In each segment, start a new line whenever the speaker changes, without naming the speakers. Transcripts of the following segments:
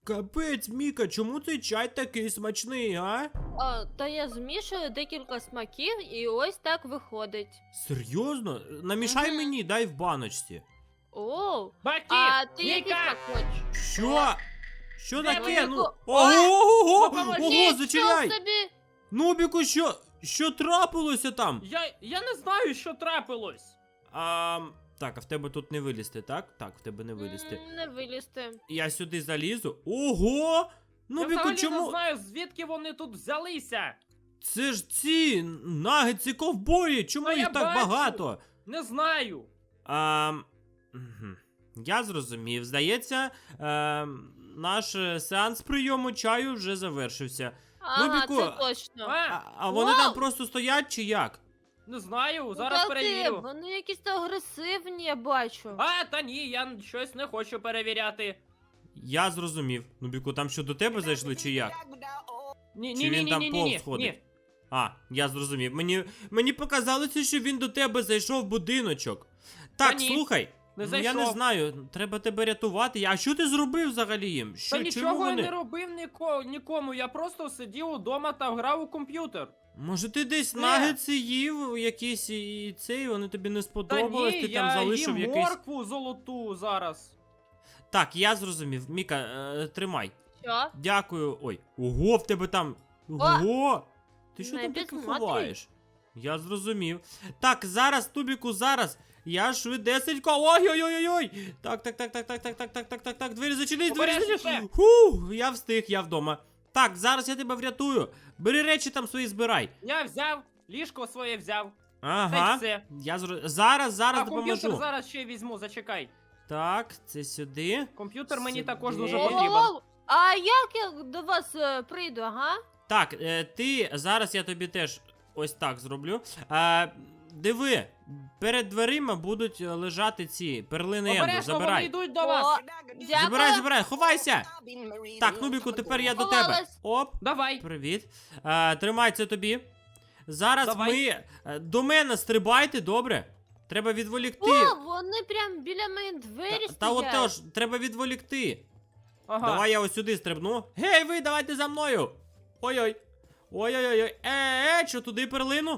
Капець, Міка, чому цей чай такий смачний, а?
Та я змішую декілька смаків і ось так виходить.
Серйозно? Намішай
Мгм.
мені, дай в баночці.
О,
Баки,
а ти який
Міка!
смак хочеш?
Що? Що
Де
таке?
ви?
Ну,
Ого!
ого,
Допоможіть,
ого, зачиняй!
Нічого собі!
Нубіку, що трапилося там?
Я не знаю, що трапилось.
Так, а в тебе тут не вилізти, так? Так, в тебе не вилізти.
Не вилізти.
Я сюди залізу. Ого!
Я
Нубіку,
взагалі не
чому?
знаю, звідки вони тут взялися.
Це ж ці нагетси ковбої, чому
Та
їх
я
так
бачу.
багато?
Не знаю.
Мгм. Я зрозумів. Здається, наш сеанс прийому чаю вже завершився.
Ага,
Біку,
це точно.
А вони
Вау!
там просто стоять чи як?
Не знаю,
Ну,
зараз
та
перевірю.
Вони якісь агресивні, я бачу.
Та ні, я щось не хочу перевіряти.
Я зрозумів. Нубіку, там що до тебе зайшли чи як?
Ні,
Чи
ні,
він
ні,
там
ні,
повз
ні,
ходить?
ні.
Я зрозумів. Мені показалося, що він до тебе зайшов в будиночок. Так,
ні,
слухай.
Не
Ну, я не
зайшов.
знаю, треба тебе рятувати. А що ти зробив взагалі їм?
Та
Чому
нічого я
вони?
не робив нікому, я просто сидів удома та грав у комп'ютер.
Може ти десь
Ні.
нагетси їв якісь і цей, вони тобі не
Та
сподобались,
ні,
ти там
я
залишив
їм
якийсь.
моркву золоту зараз.
Так, я зрозумів. Міка, тримай.
Що?
Дякую. Ой, ого, в тебе там. Ого! Ти що
Не
там таке
підсмотрюй.
ховаєш? Я зрозумів. Так, зараз, Тубіку, зараз. Я швидесенько. Ой-ой-ой-ой! Так. Двері зачинись, двері
Обережніше.
зачинись. Я встиг, я вдома. Так, зараз я тебе врятую. Бери речі там свої збирай.
Я взяв, ліжко своє взяв. Та й
Ага.
все.
Зараз
А комп'ютер
допоможу.
зараз ще візьму, зачекай.
Так, це сюди.
Комп'ютер мені
Сюди.
також дуже
Воу,
потрібен.
Воу-воу! А як я до вас прийду, ага?
Так, ти зараз я тобі теж ось так зроблю. Диви, перед дверима будуть лежати ці перлини Енду.
Обережно, вони
Забирай.
йдуть до вас.
Дякую.
Забирай, ховайся! Так, Нубіку, тепер я до тебе.
Ховалась.
Оп,
Давай.
привіт. Тримай це тобі. Зараз
Давай.
ми до мене стрибайте, добре? Треба відволікти.
О, вони прям біля моєї двері
Та
стоять.
отож, треба відволікти.
Ага.
Давай я ось сюди стрибну. Гей, ви, давайте за мною. Ой-ой. Ой-ой-ой. Що туди перлину?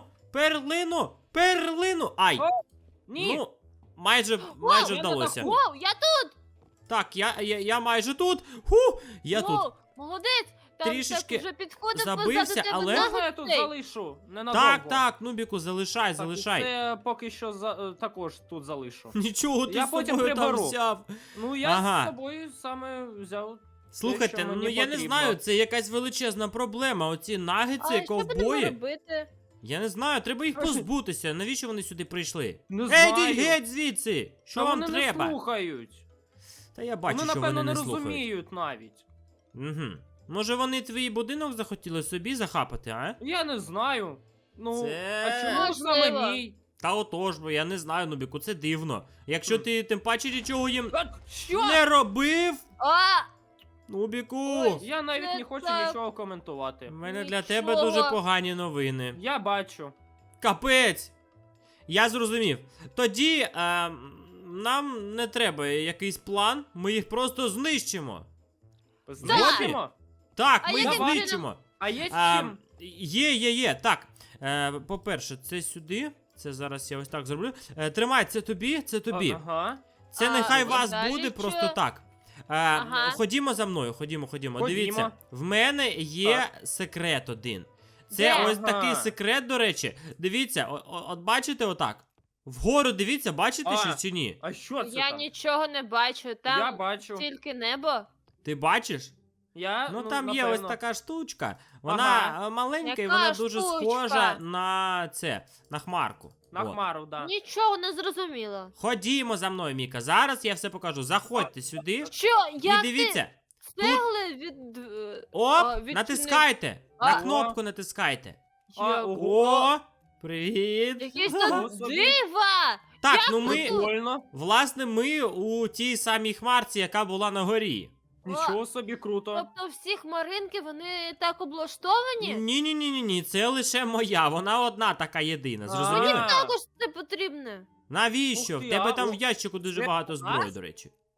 Перлину. Ай.
О, Ні.
Ну, майже
я не
вдалося.
таку.
Воу, я тут!
Так, я майже тут. Я тут.
Воу, молодець! Там
Трішечки
так вже підходить
забився,
позаду тебе
але-
нагетси.
Можна я тут залишу? Ненадовго.
Так, Нубіку, залишай.
Так, і це поки що також тут залишу.
Нічого ти
Я
з
потім
собою там
приберу.
взяв.
Ну я
Ага.
з собою саме взяв.
Слухайте,
що
ну
мені
я не
потрібно.
знаю, це якась величезна проблема. Оці нагетси,
А що будемо
ковбої.
робити?
Я не знаю, треба їх
Слухай.
позбутися. Навіщо вони сюди прийшли?
Не
Йдіть
знаю.
геть звідси! Що
Та
вам
вони
треба?
не слухають.
Та я бачу,
Вони,
що
напевно,
вони
не
не слухають.
розуміють навіть.
Угу. Може вони твій будинок захотіли собі захапати, а?
Я не знаю. Ну,
Це-
а чому ж саме
Можливо.
мій?
Та отож, бо я не знаю, Нубіку, це дивно. Якщо ти тим паче нічого їм
Що?
не робив,
А,
Нубіку,
Ой.
Я навіть
Це
не хочу
так.
нічого коментувати.
в мене для
Нічого.
тебе дуже погані новини.
Я бачу.
Капець! Я зрозумів. Тоді нам не треба якийсь план, ми їх просто знищимо.
Знищимо?
Так,
А
ми їх
яким
знищимо.
А є з
А,
чим?
Є. Так. По-перше, це сюди. Це зараз я ось так зроблю. Тримай, це тобі, це тобі.
Ага.
Це
А,
нехай
і
вас
далі
буде
що?
просто так.
Ага.
Ходімо за мною, ходімо. Дивіться, в мене є секрет один. Це
Де?
ось
Ага.
такий секрет, до речі. Дивіться, от бачите отак. Вгору дивіться, бачите
А.
щось чи ні?
А що це
я
там?
нічого не бачу. Там
Я бачу.
тільки небо.
Ти бачиш?
Я,
Ну там є ось
напевно.
така штучка. Вона
Ага.
маленька і
Яка
вона дуже
штучка?
схожа на це, на хмарку.
На
От.
хмару, да.
Нічого не зрозуміло.
Ходімо за мною, Міка. Зараз я все покажу. Заходьте сюди
Що?
і
Як
дивіться.
ти цегли від...
Оп,
відчини-
натискайте.
А.
На кнопку натискайте.
Ого.
О, привіт.
Якісь
Ага.
тут дива!
Так,
Як
ну
ви
ми,
тут?
Прикольно.
власне, ми у тій самій хмарці, яка була на горі.
Нічого собі круто.
Тобто всі хмаринки, вони так облаштовані?
Ні, це лише моя. Вона одна така єдина.
А.
Зрозуміли?
Мені
Також це потрібно.
Навіщо?
Ух
В
ти,
тебе
а,
там
ух,
в ящику дуже
це
багато зброї,
клас.
до речі.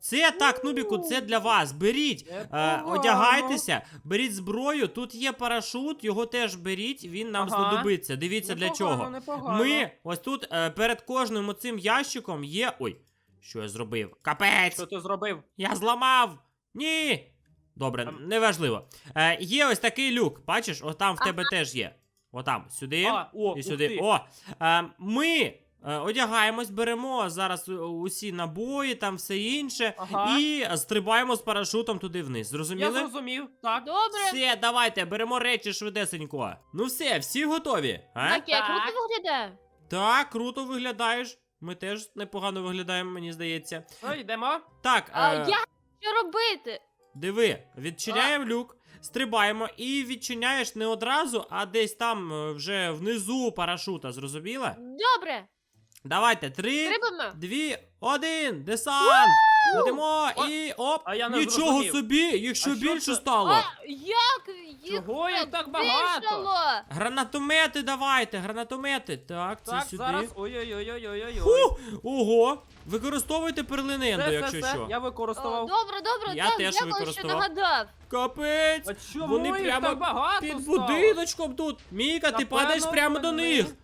Це так, Нубіку, це для вас. Беріть,
Непогано.
одягайтеся, беріть зброю. Тут є парашут, його теж беріть, він нам
Ага.
знадобиться. Дивіться для чого.
Непогано.
Ми ось тут перед кожним оцим ящиком є. Ой, що я зробив? Капець!
Що ти зробив?
Я зламав! Ні! Добре, неважливо. Є ось такий люк. Бачиш, отам в тебе теж є. Отам, сюди
О,
і
ух
сюди.
ти.
О! Ми одягаємось, беремо зараз усі набої, там все інше.
Ага.
І стрибаємо з парашутом туди вниз.
Я
Зрозуміли?
зрозумів, так.
Добре.
Все, давайте, беремо речі швидесенько. Ну все, всі готові? А?
Так, я
Так.
круто виглядаю.
Так, круто виглядаєш. Ми теж непогано виглядаємо, мені здається.
Ну, йдемо.
Так,
Що робити?
диви, відчиняємо люк, стрибаємо і відчиняєш не одразу, а десь там вже внизу парашута, зрозуміла?
Добре.
Давайте, 3,
Стрибаємо.
2, 1, десант! Летимо і оп!
А я не
Нічого
зрозумів.
собі, їх ще
А що
більше
це?
стало.
Як їх
Чого їх так багато?
збільшало?
Гранатомети давайте, гранатомети. Так, це
Так,
сюди.
зараз. Ой-ой-ой-ой-ой-ой.
Фу! Ого! Використовуйте перлиненду, якщо що.
Я
О,
використовував.
добре,
Я
так,
теж
дякую, що
використував.
нагадав.
Капець!
А чому
Вони
їх
прямо
так багато
під
стало?
будиночком тут. Міка, ти
Напевно,
падаєш прямо до
вони-
них.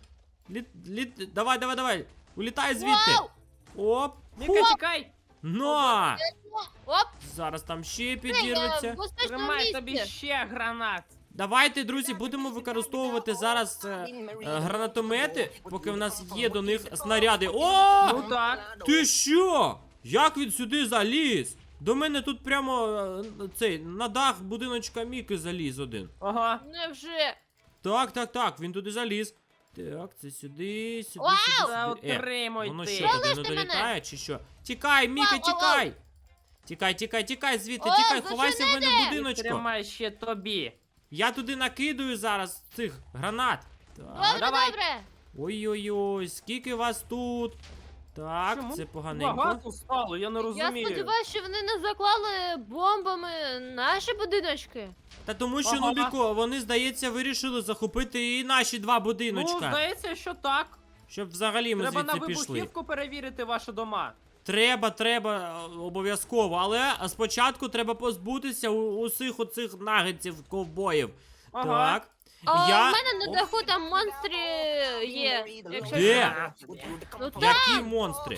Давай. Улітай звідти.
Вау!
Оп.
Міка, чекай.
На!
Оп,
Зараз там ще
я
підірветься.
в безпечному
Тримай тобі
місці.
ще гранат.
Давайте, друзі, будемо використовувати зараз гранатомети, поки в нас є до них снаряди. О!
Ну так.
Ти що? Як він сюди заліз? До мене тут прямо цей на дах будиночка Міки заліз один.
Ага.
Невже?
Так, він туди заліз. Так, це сюди, сюди,
Вау!
сюди,
Та
сюди.
отримуй
Воно
ти.
що, туди не
Залиште мене!
долітає чи що? Тікай, Міка,
Вау, вау,
тікай! Тікай звідти,
О,
тікай, ховайся в мене в
зачинити!
будиночку.
Тримай ще тобі.
Я туди накидаю зараз цих гранат. Так.
Добре,
давай.
добре.
Ой-ой-ой, скільки вас тут? Так,
Чому
це поганенько.
Багато стало, я не
Я
розумію.
сподіваюся, що вони не заклали бомбами наші будиночки.
Та тому що,
Ага.
Нубіко, вони, здається, вирішили захопити і наші два
Ну,
будиночка.
здається, що так.
Щоб взагалі ми
Треба на
звідси пішли.
вибухівку перевірити ваші дома.
Треба, обов'язково, але спочатку треба позбутися усіх оцих нагетсів ковбоїв.
Ага.
Так.
А
Я-
в мене на даху там монстри є. Якщо
Де?
що. Ну так,
Які монстри?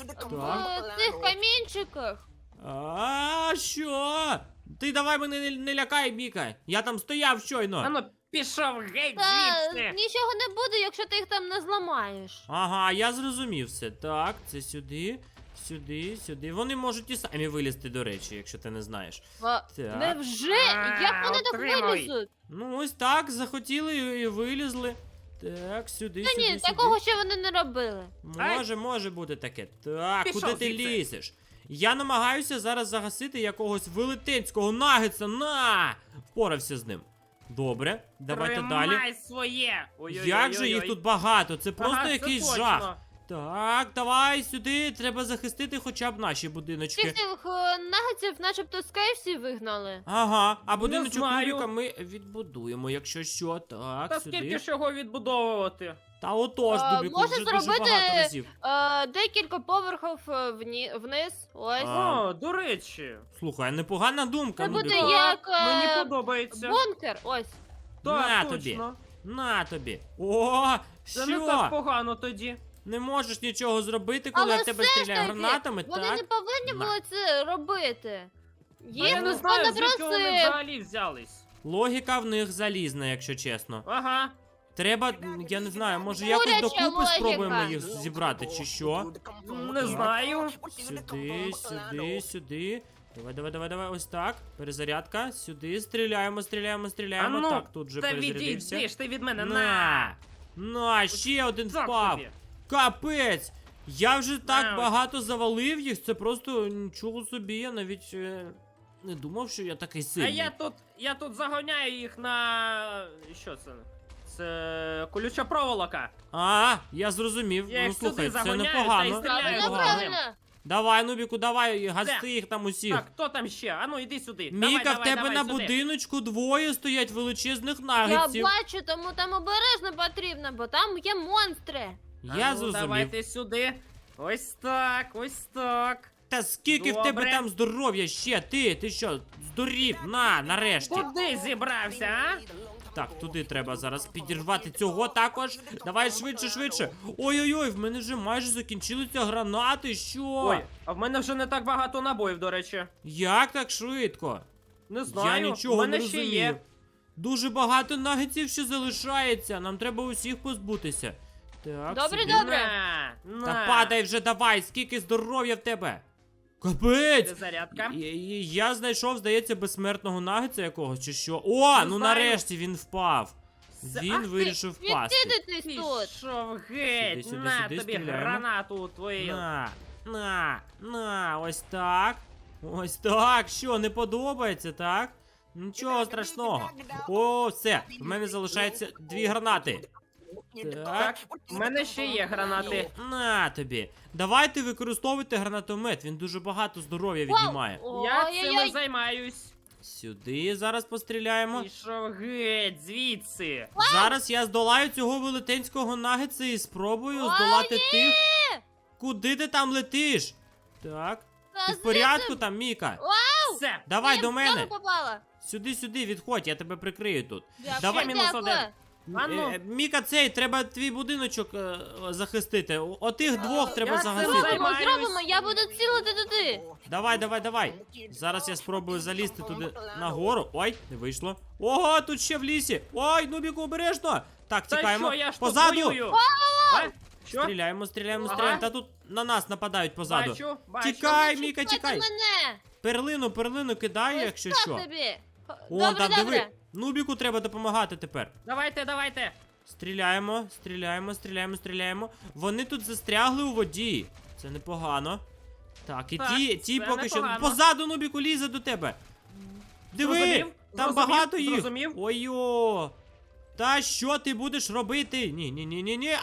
в цих камінчиках.
А що? Ти давай мене не лякай, Міка. Я там стояв щойно.
Ану, пішов геть
Та
звідси.
нічого не буде, якщо ти їх там не зламаєш.
Ага, я зрозумів все. Так, це сюди, сюди. Вони можуть і самі вилізти, до речі, якщо ти не знаєш. Так.
Невже? Як вони так
Отримуй.
вилізуть?
Ну, ось так, захотіли і вилізли. Так, сюди,
Та
сюди,
ні,
сюди.
такого ще вони не робили.
Може бути таке. Так,
Пішов
куди ти
звідси.
лізеш? Я намагаюся зараз загасити якогось велетенського нагетса. На! Впорався з ним. Добре, давайте далі.
Тримай своє. Ой-ой-ой-ой-ой.
Як же їх тут багато? Це просто
Ага, це
якийсь
точно.
жах. Так, давай сюди, треба захистити хоча б наші
Всіх
будиночки.
цих нагетсів начебто з KFC вигнали.
Ага, а будиночок
знаю.
Нубіка ми відбудуємо, якщо що. Так,
Та
сюди.
скільки ж його відбудовувати?
Та отож, Нубіку,
може
вже дуже
зробити-
багато разів.
Декілька поверхів вниз. Ось.
А.
О, до речі.
Слухай, непогана думка,
Це буде
Нубіку.
як
Мені подобається.
бункер. Ось.
На
Так,
тобі.
точно.
На тобі. О,
Це не так
що?
погано тоді.
Не можеш нічого зробити, коли
Але
в тебе
все ж
стріляє
таки,
гранатами,
Вони
так?
не повинні
На.
були це робити.
А
Їх
я не
ніхто
знаю,
не
звідки вони
просив.
взагалі взялись.
Логіка в них залізна, якщо чесно.
Ага.
Треба, я не знаю, може якось
Куряча
докупи
логіка.
спробуємо їх зібрати, чи що?
Не знаю.
Сюди. Давай, ось так. Перезарядка. Сюди, стріляємо.
А ну,
Так, тут же
Та
перезарядився.
відійдеш ти від мене.
На, ще один
Так
впав.
тобі.
Капець! Я вже так
На.
багато завалив їх, це просто нічого собі, я навіть не думав, що я такий
А
сильний.
я тут загоняю їх на. Що це? Це колюча проволока.
А, я зрозумів.
Я
Ну
їх
слухай,
сюди
це
загоняю,
непогано.
та й стріляю.
Правильно,
Непогано.
правильно.
Давай, Нубіку, давай, гасти
Де?
їх там усіх.
Так, хто там ще? Ану, іди сюди.
Міка,
давай,
в тебе
давай,
на
сюди.
будиночку двоє стоять величезних
Я
нагетсів.
бачу, тому там обережно потрібно, бо там є монстри.
Я
Ану,
зрозумів.
Давайте сюди. Ось так, ось так.
Та скільки в тебе
Добре.
там здоров'я ще? Ти що, здурів? Нарешті.
Куди зібрався, а?
Так, туди треба зараз підірвати цього також. Давай швидше. Ой-ой-ой, в мене вже майже закінчилися гранати, що?
Ой, а в мене вже не так багато набоїв, до речі.
Як так швидко?
Не знаю,
Я нічого
в мене
не
ще
розумію.
є.
Дуже багато нагетсів ще залишається. Нам треба усіх позбутися. Так,
Добре,
сюди.
добре.
На.
Та падай вже давай, скільки здоров'я в тебе. Капець!
Зарядка.
Я знайшов, здається, безсмертного нагетса якогось чи що. О,
Не
ну
знаю.
нарешті він впав.
Ах
Він
ти,
вирішив впасти.
Відсидитись тут.
Пішов геть,
Сюди,
на
сюди,
тобі
стріляємо.
гранату твою.
На, ось так. Ось так. Що, не подобається, так? Нічого страшного. О, все. В мене залишається 2 гранати. Так.
Так, в мене ще є гранати.
На тобі. Давайте використовуйте гранатомет. Він дуже багато здоров'я віднімає.
Я цим і
Ой-ой-ой.
займаюсь.
Сюди зараз постріляємо.
Пішов геть, звідси.
Зараз я здолаю цього велетенського нагетса і спробую
О,
здолати
ні!
тих. Куди ти там летиш? Так.
Та
Ти в
звідси-
порядку там, Міка?
Все.
Давай
Я
до
в
мене.
нього попала.
Сюди, відходь, я тебе прикрию тут.
Дякую,
Давай.
Мінус
дякую.
один. А ну.
Міка, цей, треба твій будиночок захистити. Отих двох треба
я цим
загасити.
займаюсь.
Зробимо, я буду цілити туди.
Давай. Зараз я спробую залізти туди нагору. Ой, не вийшло. Ого, тут ще в лісі. Ой, Нубіку, обережно. Так,
Та
тікаємо.
що, я ж тут
Позаду.
воюю. А? Що?
Стріляємо.
Ага.
Та тут на нас нападають позаду.
Бачу.
Тікай, Міка,
Чекайте
тікай.
мене.
Перлину кидаю, якщо
Ось
що.
так тобі.
О,
Добре,
там
добре.
диви. Нубіку треба допомагати тепер.
Давайте.
Стріляємо. Вони тут застрягли у воді. Це непогано. Так, і
Так,
ті
це
поки що.
непогано.
Позаду Нубіку лізе до тебе. Диви!
Зрозумів,
Там
зрозумів,
багато їх.
зрозумів.
Ой-о! Та що ти будеш робити? Ні.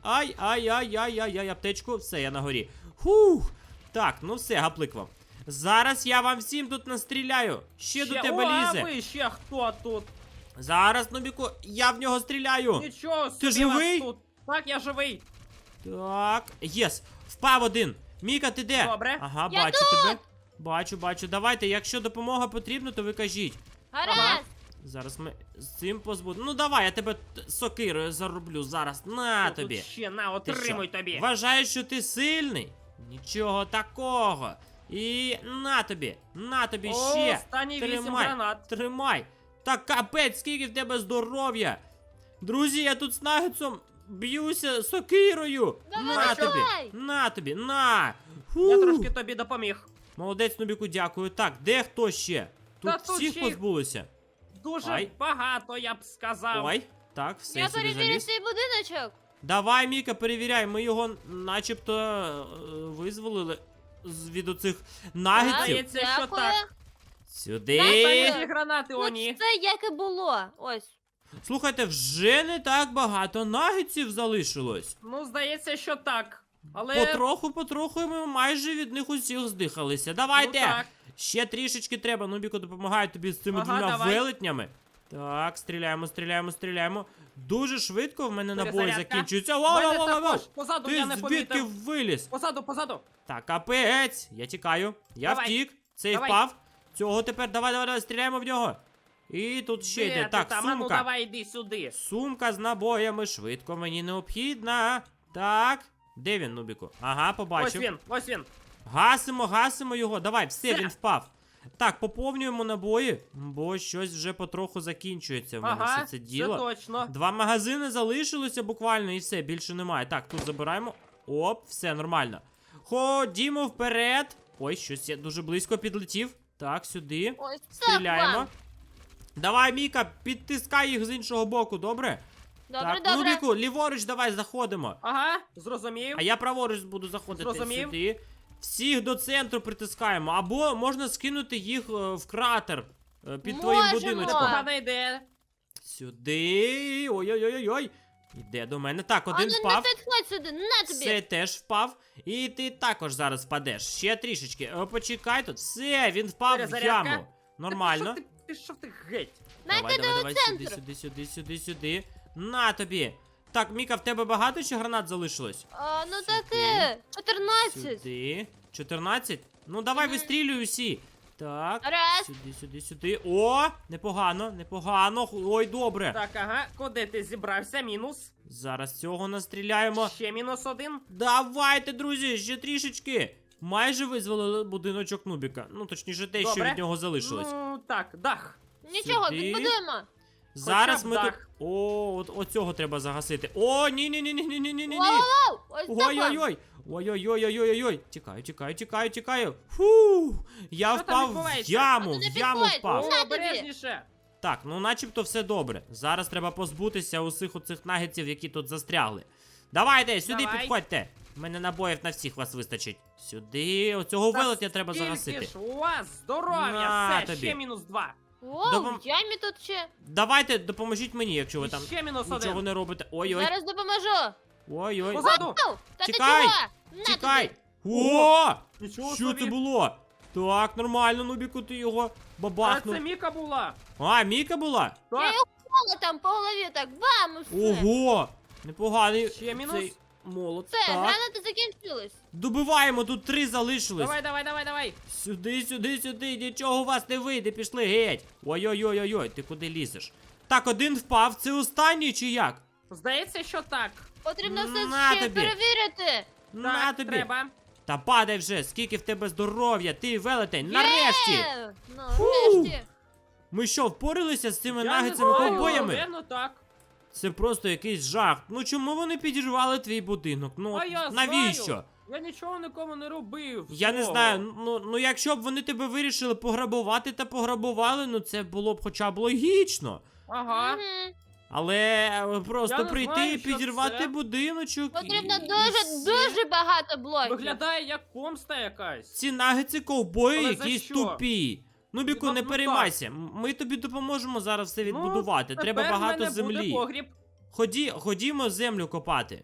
Ай, аптечку. Все, я на горі. Хух! Так, ну все, гаплик вам. Зараз я вам всім тут настріляю. Ще до тебе
А
лізе.
ви ще хто тут?
Зараз, Нубіку, я в нього стріляю.
Нічого собі
Ти живий?
вас тут. Так, я живий.
Так, єс, впав один. Міка, ти де?
Добре.
Ага,
Я
бачу тебе. Бачу. Давайте, якщо допомога потрібна, то ви кажіть.
Гаразд.
Зараз ми з цим позбудемо. Ну давай, я тебе сокирою зароблю зараз. На
Тут
тобі.
ще на,
Ти
отримуй
що,
тобі.
Вважаєш, що ти сильний? Нічого такого. І на тобі ще.
Останні 8 гранат.
Тримай. Та капець, скільки в тебе здоров'я. Друзі, я тут з нагетсом б'юся сокирою.
Давай.
На тобі, на.
Я
Фу.
трошки тобі допоміг.
Молодець, Нубіку, дякую. Так, де хто ще? Тут
Та тут
всіх
ще їх-
позбулися.
Дуже
Ай.
багато, я б сказав.
Ой, так, все,
Я
сюди
перевірю
заліз.
цей будиночок.
Давай, Міка, перевіряй, ми його начебто визволили від оцих нагетсів.
Здається, що
Дякую.
так.
Сюди.
Останні гранати,
Тут
оні.
все як і було. Ось.
Слухайте, вже не так багато нагетсів залишилось.
Ну, здається, що так. Але...
Потроху ми майже від них усіх здихалися. Давайте!
Ну, так.
Ще трішечки треба. Нубіко допомагає тобі з цими
Ага,
двома
давай.
велетнями. Так, стріляємо. Дуже швидко в мене набої
Перезарядка.
закінчуються.
В мене
Воу!
також. Позаду
Ти
я не
звідки
помітив.
виліз?
Позаду.
Так, капець. Я тікаю. Я
Давай.
втік. Цей
Давай.
впав. Цього тепер давай, стріляємо в нього. І тут ще
Де
йде.
ти
Так,
там? А ну,
сумка.
давай, йди сюди.
Сумка з набоями швидко мені необхідна. Так. Де він, Нубіку? Ага, побачив.
Ось він.
Гасимо його. Давай, все,
Все.
він впав. Так, поповнюємо набої, бо щось вже потроху закінчується в мене
Ага,
все це діло.
це точно.
2 магазини залишилося буквально і все, більше немає. Так, тут забираємо. Оп, все нормально. Ходімо вперед. Ой, щось я дуже близько підлетів. Так, сюди.
Ось так
Стріляємо.
вам.
Давай, Міка, підтискай їх з іншого боку, добре?
Добре,
так,
добре.
Нубіку, ліворуч давай заходимо.
Ага, зрозумів.
А я праворуч буду заходити
Зрозумів.
сюди. Всіх до центру притискаємо. Або можна скинути їх в кратер під твоїм
Можемо.
будиночком.
Погана ідея.
Сюди. Ой-ой-ой-ой. Іде до мене. Так,
А
один
ну не
впав.
підходь сюди, на тобі.
Це теж впав. І ти також зараз впадеш. Ще трішечки. Почекай тут. Все, він впав в
Перезарядка.
яму. Нормально.
Пішов ти геть.
Найди до центру.
Сюди. На тобі. Так, Міка, в тебе багато ще гранат залишилось?
Ну таке, 14.
Сюди. 14? Ну давай вистрілюй усі. Так,
Раз.
сюди, сюди, сюди. О, непогано, непогано. Ой, добре.
Так, ага, куди ти зібрався? Мінус.
Зараз цього настріляємо.
Ще мінус один.
Давайте, друзі, ще трішечки. Майже визволили будиночок Нубіка. Ну, точніше, те, що
Добре.
від нього залишилось.
Ну, так, дах.
Нічого,
Сюди.
відбудуємо.
Зараз
хоча б
ми тут.
дах.
О, оцього треба загасити. О, ні-ні-ні-ні-ні-ні-ні-ні.
Воу-воу-воу, ось так.
Ой-ой-ой. Ой-ой-ой-ой-ой-ой. Тікаю, тікаю, тікаю, тікаю. Фу. Я
Що там
впав в
відбувається?
яму,
А
в
ти не
яму
підходь.
впав.
На
О,
тобі.
обережніше.
Так, ну начебто все добре. Зараз треба позбутися усіх оцих нагетсів, які тут застрягли. Давайте, сюди
Давай.
підходьте. У мене набоїв на всіх вас вистачить. Сюди, оцього
Та
велетня треба
скільки
загасити.
ж у вас здоров'я,
На
все,
тобі.
ще мінус два.
Воу,
Допом-
в ямі тут ще.
Давайте, допоможіть мені, якщо ви
І
там
ще мінус
нічого
один.
не робите. Ой-ой.
Зараз допоможу.
Ой-ой.
Позаду.
Воу, та ти
Тікай.
чого? На
Тікай!
тобі.
О!
Нічого
Що
собі.
це було? Так, нормально, Нубіку, ти його
А
бабахнув.
це Міка була.
А, Міка була?
Я
Так,
його молотом по голові так, бам, і все.
Ого! Непоганий
Ще мінус.
цей молот.
Все,
Так.
гранати закінчились.
Добиваємо, тут 3 залишились.
давай, давай, давай, давай.
Сюди, сюди, сюди, нічого у вас не вийде, пішли геть. Ой-ой-ой-ой, ти куди лізеш? Так, один впав, це останній чи як?
Здається, що так.
Потрібно все
На
ще
тобі.
перевірити.
На
Так,
тобі.
треба.
Та падай вже, скільки в тебе здоров'я, ти велетень, нарешті!
Є! Нарешті.
Ми що, впоралися з цими
Я не
нагетсами
знаю,
ковбоями?
напевно, так.
Це просто якийсь жах. Ну чому вони підірвали твій будинок? Ну
А я
навіщо?
знаю. Я нічого нікому не робив.
Я не
всього.
знаю, ну якщо б вони тебе вирішили пограбувати та пограбували, ну це було б хоча б логічно.
Ага.
Мгм.
Але просто
Я не
прийти
знаю,
і
що
підірвати
це.
будиночок.
Потрібно
і
дуже,
все.
дуже багато блоків.
Виглядає як помста якась.
Ці нагетси ковбої
Але за
якісь
що?
тупі. Ну, Біку,
Ну,
не
ну,
переймайся. Ми тобі допоможемо зараз все відбудувати.
Ну,
Треба
тепер в
багато
мене буде
землі.
погріб.
Ходімо землю копати.